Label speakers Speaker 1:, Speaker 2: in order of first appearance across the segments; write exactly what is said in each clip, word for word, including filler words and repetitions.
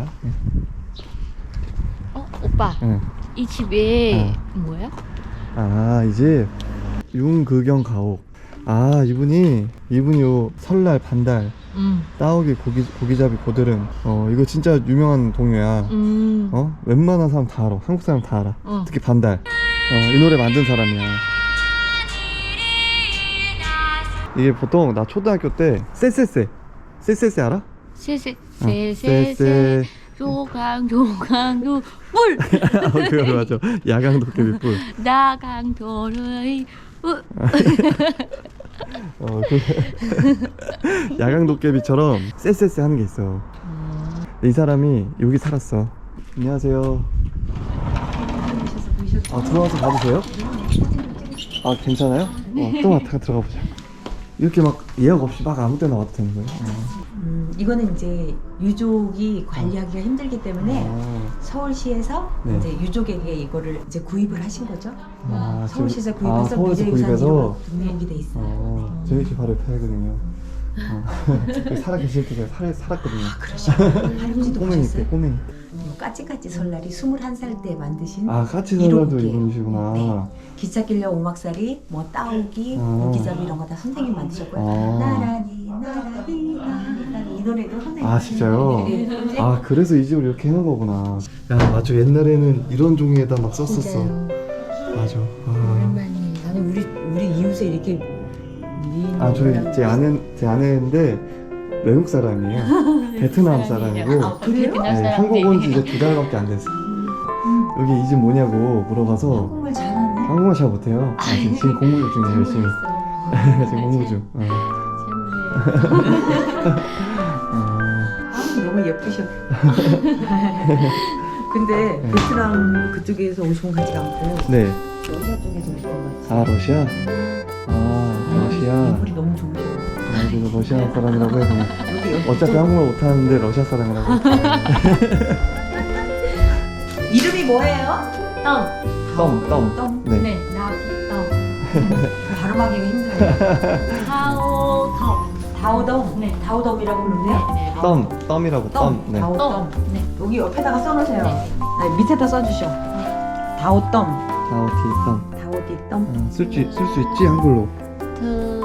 Speaker 1: 응.
Speaker 2: 어, 오빠.
Speaker 1: 응.
Speaker 2: 이 집에
Speaker 1: 어.
Speaker 2: 뭐야?
Speaker 1: 아, 이 집 윤극영 가옥. 아, 이분이 이분이 요 설날 반달
Speaker 2: 음.
Speaker 1: 따오기 고기 고기잡이 고드름. 어, 이거 진짜 유명한 동요야.
Speaker 2: 음.
Speaker 1: 어, 웬만한 사람 다 알아. 한국 사람 다 알아.
Speaker 2: 어.
Speaker 1: 특히 반달. 어, 이 노래 만든 사람이야. 이게 보통 나 초등학교 때 쎄쎄쎄 쎄쎄쎄 알아?
Speaker 2: 세세
Speaker 1: 어,
Speaker 2: 세세세
Speaker 1: 쎄쎄.
Speaker 2: 조강 조강 조 물.
Speaker 1: 어, 그거 맞아. 야광 도깨비 뿔.
Speaker 2: 나강도의 물.
Speaker 1: 어, 그 야광 도깨비처럼 쎄쎄쎄 하는 게 있어. 이 사람이 여기 살았어. 안녕하세요. 아, 들어와서 봐도 돼요? 아, 괜찮아요? 어, 좀 왔다가 들어가 보자. 이렇게 막 예약 없이 막 아무 때나 와도 되는 거예요? 어.
Speaker 3: 음, 이거는 이제 유족이 관리하기가 힘들기 때문에
Speaker 1: 아,
Speaker 3: 서울시에서
Speaker 1: 네.
Speaker 3: 이제 유족에게 이거를 이제 구입을 하신 거죠.
Speaker 1: 아,
Speaker 3: 서울시에서
Speaker 1: 저-
Speaker 3: 구입해서
Speaker 1: 아, 서울에서
Speaker 3: 미래유산지로
Speaker 1: 구입해서?
Speaker 3: 등록이 돼 있어요.
Speaker 1: 어, 저희 집 바로 옆에 살거든요. 어. 여기 살아 계실 때 제가 살, 살았거든요.
Speaker 3: 할아버지도
Speaker 1: 꼬맹이 때,
Speaker 3: 보셨어요?
Speaker 1: 꼬맹이.
Speaker 3: 요 까치까치 설날이 스물한 살 때 만드신
Speaker 1: 아, 까치 설날도
Speaker 3: 일호국이에요.
Speaker 1: 이분이시구나.
Speaker 3: 네. 기찻길려 오막살이, 뭐 따오기,
Speaker 1: 아.
Speaker 3: 고기잡이 이런 거 다 선생님 만드셨고요.
Speaker 1: 아.
Speaker 3: 나란히 나란히 나란히 이 노래도 선생님.
Speaker 1: 아, 진짜요?
Speaker 3: 네.
Speaker 1: 아, 그래서 이 집을 이렇게 해놓은 거구나. 야, 맞아. 옛날에는 이런 종이에다 막 썼었어.
Speaker 3: 진짜요.
Speaker 1: 맞아. 아,
Speaker 3: 오랜만이. 나는 우리 우리 이웃에 이렇게 미인.
Speaker 1: 아 저희 제 아내 제 아내인데 외국 사람이에요. 베트남 사람이고.
Speaker 3: 아, 그래요?
Speaker 1: 네, 한국 온 지 이제 두 달밖에 안 됐어. 여기 이 집 뭐냐고 물어봐서
Speaker 3: 한국말 잘하네.
Speaker 1: 한국말 잘 못해요. 아, 지금, 지금 공부 중이에요, 열심히. 지금 공부 중. 어. 어.
Speaker 3: 아, 너무 예쁘셔. 근데
Speaker 1: 네.
Speaker 3: 베트남 그쪽에서 오신 것 같지가 않고
Speaker 1: 네.
Speaker 3: 러시아 쪽에서 오신 것 같지.
Speaker 1: 아, 러시아? 아, 러시아.
Speaker 3: 인물이 너무 좋으셔.
Speaker 1: 아, 그래서 러시아 사람이라고 해서
Speaker 3: 여기 여기
Speaker 1: 어차피
Speaker 3: 좀-
Speaker 1: 한국말 못하는데 러시아 사람이라고.
Speaker 3: 이름이 뭐예요?
Speaker 2: 덤.
Speaker 1: 덤, 덤.
Speaker 3: 덤.
Speaker 1: 네.
Speaker 2: 네, 나비
Speaker 3: 발음하기가 힘들어요.
Speaker 2: 다오 덤.
Speaker 3: 다오덤.
Speaker 2: 네.
Speaker 3: 다오덤이라고 부르는데요.
Speaker 2: 네.
Speaker 1: 덤, 덤이라고 덤.
Speaker 3: 덤.
Speaker 1: 네.
Speaker 3: 다오덤.
Speaker 2: 네.
Speaker 3: 여기 옆에다가 써놓으세요.
Speaker 2: 네.
Speaker 3: 아니, 밑에다 써주셔. 다오덤.
Speaker 1: 다오티 덤.
Speaker 3: 다오디덤.
Speaker 1: 어, 쓸 수, 쓸 수 있지 한글로.
Speaker 2: 그,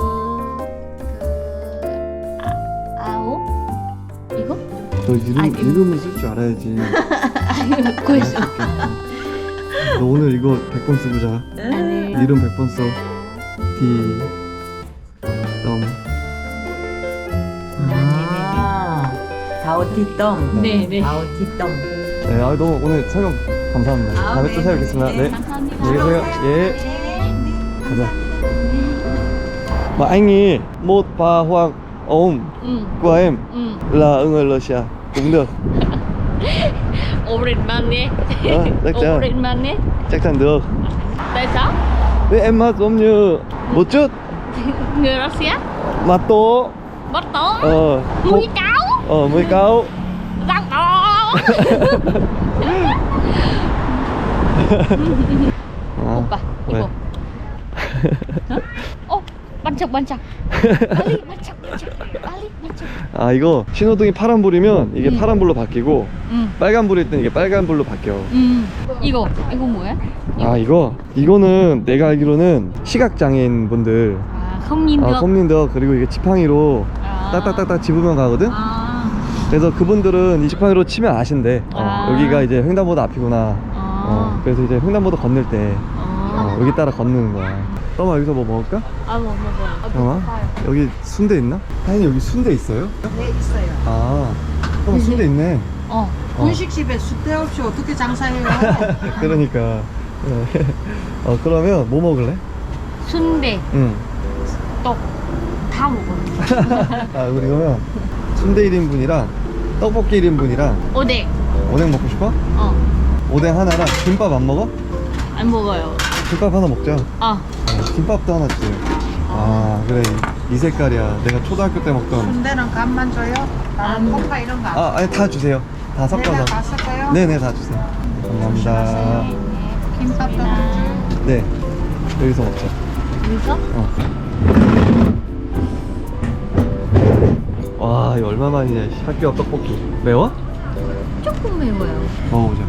Speaker 2: 그 아, 아오? 이거?
Speaker 1: 너 이름,
Speaker 2: 아, 이거-
Speaker 1: 이름을 쓸 줄 알아야지.
Speaker 2: 아이고, 고있어.
Speaker 1: 너 오늘 이거 백 번 쓰고 자.
Speaker 2: 아니.
Speaker 1: 이름 백 번 써. 디 덤.
Speaker 3: 아, 다오티덤.
Speaker 2: 네, 네.
Speaker 3: 다오티덤.
Speaker 1: 네, 아, 너무 오늘 설명 감사합니다.
Speaker 3: 아,
Speaker 1: 다음에
Speaker 3: 네.
Speaker 1: 또 찾아뵙겠습니다.
Speaker 3: 네,
Speaker 1: 네.
Speaker 2: 감사합니다.
Speaker 1: 안녕히 계세요. 예. 가자. Mà anh ý một và hoặc ôm
Speaker 2: 응,
Speaker 1: của em
Speaker 2: 응.
Speaker 1: là người Russia cũng được.
Speaker 2: 오랜만에.
Speaker 1: Ờ, chắc chắn.
Speaker 2: 오랜만에.
Speaker 1: Chắc chắn được.
Speaker 2: Tại sao?
Speaker 1: Thế em hát giống như một chút
Speaker 2: Người Russia?
Speaker 1: mà to.
Speaker 2: Bắt tố.
Speaker 1: Ờ,
Speaker 2: Mũi cáo.
Speaker 1: ờ mới cao.
Speaker 2: Răng to.
Speaker 1: 아,
Speaker 2: 오빠,
Speaker 1: 왜?
Speaker 2: 이거. 어? 어? 반짝, 반짝. 빨리 반짝, 반짝. 빨리 반짝.
Speaker 1: 아, 이거 신호등이 파란불이면 이게
Speaker 2: 음.
Speaker 1: 파란불로 바뀌고
Speaker 2: 응,
Speaker 1: 빨간불일 땐 이게 빨간불로 바뀌어.
Speaker 2: 응. 이거, 이거 뭐야?
Speaker 1: 아, 이거 이거는 내가 알기로는 시각장애인 분들
Speaker 2: 아, không nhìn
Speaker 1: 아,
Speaker 2: được.
Speaker 1: 컴린더 그리고 이게 지팡이로
Speaker 2: 아.
Speaker 1: 딱딱딱딱 집으면 가거든.
Speaker 2: 아.
Speaker 1: 그래서 그분들은 이 지팡이로 치면 아신대. 어,
Speaker 2: 아.
Speaker 1: 여기가 이제 횡단보도 앞이구나.
Speaker 2: 아.
Speaker 1: 어, 그래서 이제 횡단보도 건널 때
Speaker 2: 아.
Speaker 1: 어, 여기 따라 건너는 거야. 떠마 여기서 뭐 먹을까?
Speaker 2: 아, 뭐, 뭐, 뭐.
Speaker 1: 잠깐만. 여기 순대 있나? 하인이 여기 순대 있어요?
Speaker 4: 네, 있어요.
Speaker 1: 아, 떠마 순대 있네.
Speaker 2: 어.
Speaker 1: 어.
Speaker 4: 분식집에 숫대 없이 어떻게 장사해요?
Speaker 1: 그러니까. 어, 그러면 뭐 먹을래?
Speaker 2: 순대,
Speaker 1: 응.
Speaker 2: 떡, 다 먹어.
Speaker 1: 아, 우리 그러면 순대 일 인분이랑 떡볶이 일 인분이랑
Speaker 2: 오뎅.
Speaker 1: 오뎅 먹고 싶어?
Speaker 2: 어.
Speaker 1: 오뎅 하나랑 김밥 안 먹어?
Speaker 2: 안 먹어요.
Speaker 1: 김밥 하나 먹자.
Speaker 2: 아.
Speaker 1: 어, 김밥도 하나 주세요. 아, 그래. 이 색깔이야. 내가 초등학교 때 먹던.
Speaker 4: 순대는 간만 줘요? 다른
Speaker 2: 안
Speaker 4: 콩파 이런 거 안.
Speaker 1: 아, 아니, 다 주세요. 다 섞어서.
Speaker 4: 내가 갔을까요?
Speaker 1: 네네, 다 주세요. 감사합니다.
Speaker 4: 김밥도 좀
Speaker 1: 네. 여기서 먹자.
Speaker 2: 여기서?
Speaker 1: 어. 와, 이거 얼마만이냐. 씨. 학교 앞 떡볶이. 매워?
Speaker 2: 조금. 조금 매워요.
Speaker 1: 먹어보자.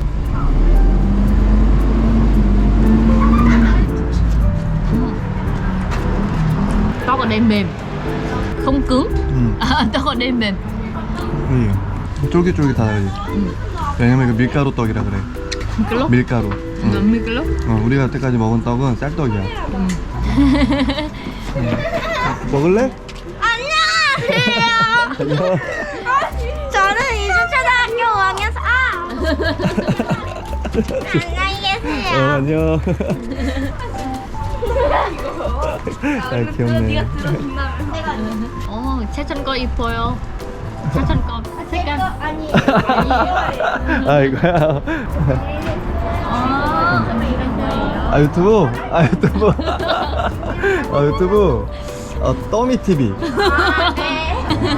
Speaker 2: Tóc ở đây mềm, không cứng.
Speaker 1: 음.
Speaker 2: À, tóc ở đây mềm.
Speaker 1: 음. 쫄깃쫄깃하다.
Speaker 2: 음.
Speaker 1: 왜냐면 이거 밀가루 떡이라 그래.
Speaker 2: Micro.
Speaker 1: 밀가루.
Speaker 2: Ừ,
Speaker 1: 응.
Speaker 2: micro.
Speaker 1: 어, 우리가 여태까지 먹은 떡은 쌀떡이야. 응. 먹을래?
Speaker 5: 안녕하세요. 저는 이주초등학교 오 학년 사. 안녕히
Speaker 1: 어,
Speaker 5: 계세요.
Speaker 1: 안녕. 아, 귀엽네.
Speaker 2: Ồ, 차천 거 이뻐요. 차천 거 색깔.
Speaker 5: 아니.
Speaker 1: 아, 이거야.
Speaker 2: 아, 이런 거예요.
Speaker 1: 아, 유튜브? 아, 유튜브. 아, 유튜브. 어, 떠미 티비.
Speaker 5: 아, 네.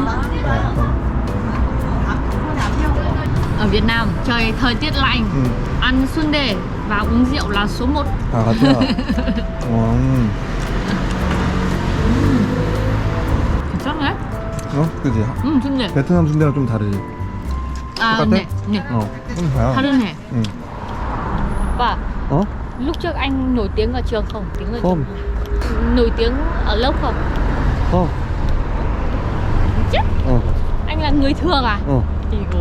Speaker 2: Ở Việt Nam trời thời tiết lạnh,
Speaker 1: 응.
Speaker 2: ăn sundae và uống rượu là số một.
Speaker 1: 아, 같아. 어, 음.
Speaker 2: 괜찮네?
Speaker 1: 어? 그지?
Speaker 2: 응, sundae.
Speaker 1: 베트남 순대랑 좀 다르지?
Speaker 2: À,
Speaker 1: 똑같아?
Speaker 2: nè, nè,
Speaker 1: 어, 좀 다야.
Speaker 2: 다르네.
Speaker 1: 응.
Speaker 2: Và
Speaker 1: 어?
Speaker 2: lúc trước anh nổi tiếng ở trường không? Tiếng ở
Speaker 1: Không.
Speaker 2: trường. Nổi tiếng ở lớp không?
Speaker 1: 어,
Speaker 2: Chứ?
Speaker 1: 어,
Speaker 2: Anh là người thường à?
Speaker 1: 어.
Speaker 2: Igo.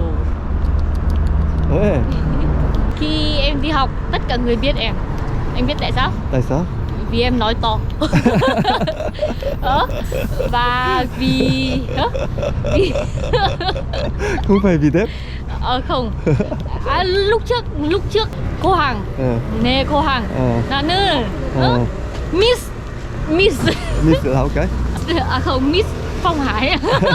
Speaker 1: 왜?
Speaker 2: Khi em đi học, tất cả người biết em. Anh biết tại sao?
Speaker 1: tại sao?
Speaker 2: Vì em nói to. Ờ, và vì hả? Vì
Speaker 1: không phải vì đẹp?
Speaker 2: ờ không. À, lúc trước lúc trước cô Hằng,
Speaker 1: 어,
Speaker 2: nè cô Hằng,
Speaker 1: 어,
Speaker 2: 나는
Speaker 1: 어.
Speaker 2: 어? Miss Miss
Speaker 1: 미스 나올까?
Speaker 2: à không, Miss Phong Hải.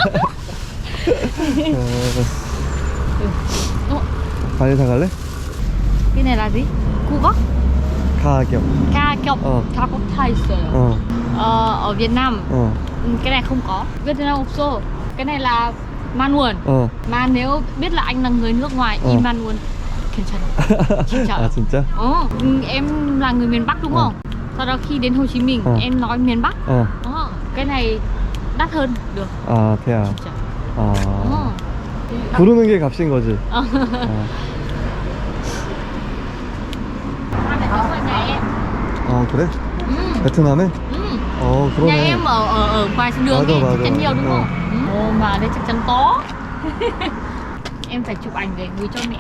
Speaker 1: 어,
Speaker 2: Ồ,
Speaker 1: 발리 사갈래?
Speaker 2: cái này là gì? Cu góc,
Speaker 1: 가격.
Speaker 2: ca kiệu,
Speaker 1: Ờ.
Speaker 2: ca có thai rồi.
Speaker 1: 어,
Speaker 2: Ờ, ở Việt Nam
Speaker 1: 어,
Speaker 2: cái này không có. Việt Nam 없어. Cái này là manual.
Speaker 1: 어.
Speaker 2: Mà nếu biết là anh là người nước ngoài,
Speaker 1: Ờ.
Speaker 2: in manual 괜찮아. 진짜.
Speaker 1: 아, 진짜?
Speaker 2: Ờ, em là người miền Bắc đúng
Speaker 1: Ờ.
Speaker 2: không? Sau đó khi đến Hồ Chí Minh
Speaker 1: Ờ.
Speaker 2: em nói miền Bắc.
Speaker 1: 어,
Speaker 2: Ờ, cái này đắt hơn được.
Speaker 1: 아, thế à?
Speaker 2: 진짜.
Speaker 1: 아.
Speaker 2: Ờ.
Speaker 1: 부르는 게 값인 거지?
Speaker 2: Ờ.
Speaker 1: 어.
Speaker 2: Hai mẹ cháu ở nhà em.
Speaker 1: 어, 그래?
Speaker 2: Ừ.
Speaker 1: 베트남에?
Speaker 2: Ừ.
Speaker 1: 어,
Speaker 2: Nhà
Speaker 1: 그러네.
Speaker 2: em ở ở ở ngoài đường
Speaker 1: 맞아,
Speaker 2: ấy,
Speaker 1: 맞아.
Speaker 2: chắc chắn nhiều đúng
Speaker 1: Ờ.
Speaker 2: không? Ừ. Ồ, mà đây chắc chắn có. Em phải chụp ảnh để gửi cho mẹ.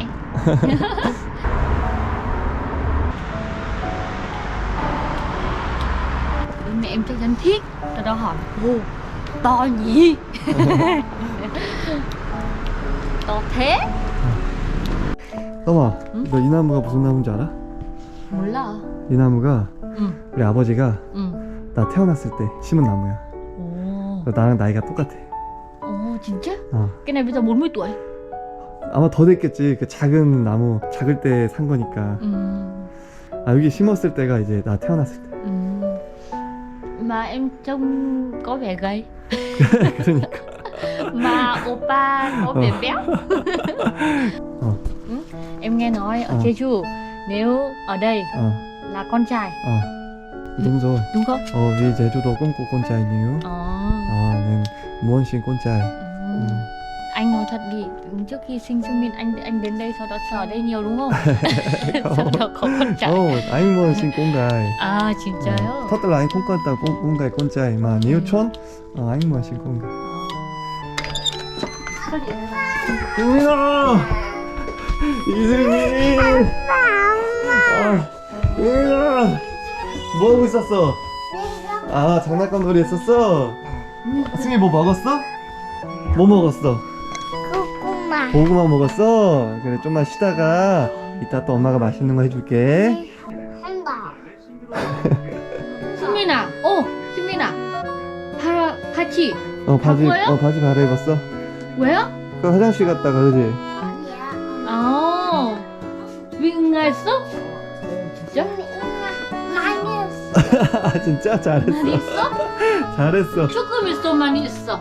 Speaker 2: Mẹ em chắc chắn thích. Tao đó hỏi, ô, to nhỉ? To thế?
Speaker 1: 떠마,
Speaker 2: 응?
Speaker 1: 너 이 나무가 무슨 나무인지 알아?
Speaker 2: 몰라.
Speaker 1: 이 나무가
Speaker 2: 응,
Speaker 1: 우리 아버지가
Speaker 2: 응.
Speaker 1: 나 태어났을 때 심은 나무야.
Speaker 2: Ồ,
Speaker 1: 그래서 나랑 나이가 똑같아.
Speaker 2: ồ, 진짜?
Speaker 1: 어.
Speaker 2: Cái này bây giờ bốn mươi tuổi.
Speaker 1: 아마 더 됐겠지. 그 작은 나무, 작을 때 산 거니까.
Speaker 2: Ừ,
Speaker 1: 아, 여기 심었을 때가 이제 나 태어났을 때.
Speaker 2: ừ. Mà em trông có vẻ gầy.
Speaker 1: 그러니까.
Speaker 2: Mà oppa có vẻ
Speaker 1: Ờ.
Speaker 2: béo.
Speaker 1: Ờ.
Speaker 2: Ừ. Em nghe nói ở
Speaker 1: Ờ.
Speaker 2: Jeju nếu ở đây
Speaker 1: 어,
Speaker 2: là con trai
Speaker 1: 어. đúng rồi.
Speaker 2: đúng không?
Speaker 1: 어, vì 제주도 꿈꾸 꼰짜이니요.
Speaker 2: Ờ.
Speaker 1: 아, 는 무언신 꼰짜이.
Speaker 2: Ừ.
Speaker 1: 음.
Speaker 2: Anh nói thật đi, trước khi sinh Sương Min anh anh đến đây sau đó sợ ở đây nhiều đúng không? Sau đó có con trai.
Speaker 1: 어, 아잉 무언신 꼰가이.
Speaker 2: À 진짜요?
Speaker 1: 터들 아잉 꼰까다 꼰가이 꼰짜이. 마 니우촌? 어, 아잉 무언신 꼰가. 유민아! 이승민! 아, 유민아! 뭐 하고 있었어? 아, 장난감 놀이 했었어? 승민 뭐 먹었어? 뭐 먹었어?
Speaker 5: 고구마.
Speaker 1: 고구마 먹었어? 그래, 좀만 쉬다가 이따 또 엄마가 맛있는 거 해줄게.
Speaker 5: 한다.
Speaker 2: 승민아, 어, 승민아, 바 바지
Speaker 1: 어, 바지,
Speaker 2: 바꿔요?
Speaker 1: 어, 바지 갈아입었어?
Speaker 2: 왜요?
Speaker 1: 그 화장실 갔다가, 그지?
Speaker 5: 아니야.
Speaker 2: 아, 위 응가했어? 진짜?
Speaker 5: 많이 했어.
Speaker 1: 아, 진짜? 잘했어.
Speaker 2: 많이 있어?
Speaker 1: 잘했어.
Speaker 2: 조금 있어, 많이 있어.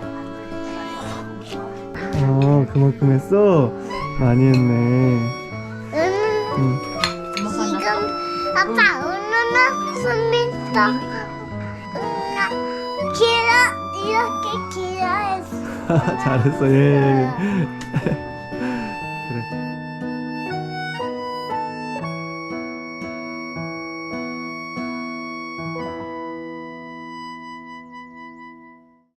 Speaker 1: 어, 그만큼 했어? 많이 했네.
Speaker 5: 응.
Speaker 1: 응.
Speaker 2: 뭐가
Speaker 5: 지금
Speaker 2: 났어?
Speaker 5: 아빠 오늘은 손민도 응아 길어 이렇게 길어 했어.
Speaker 1: 잘했어, 예.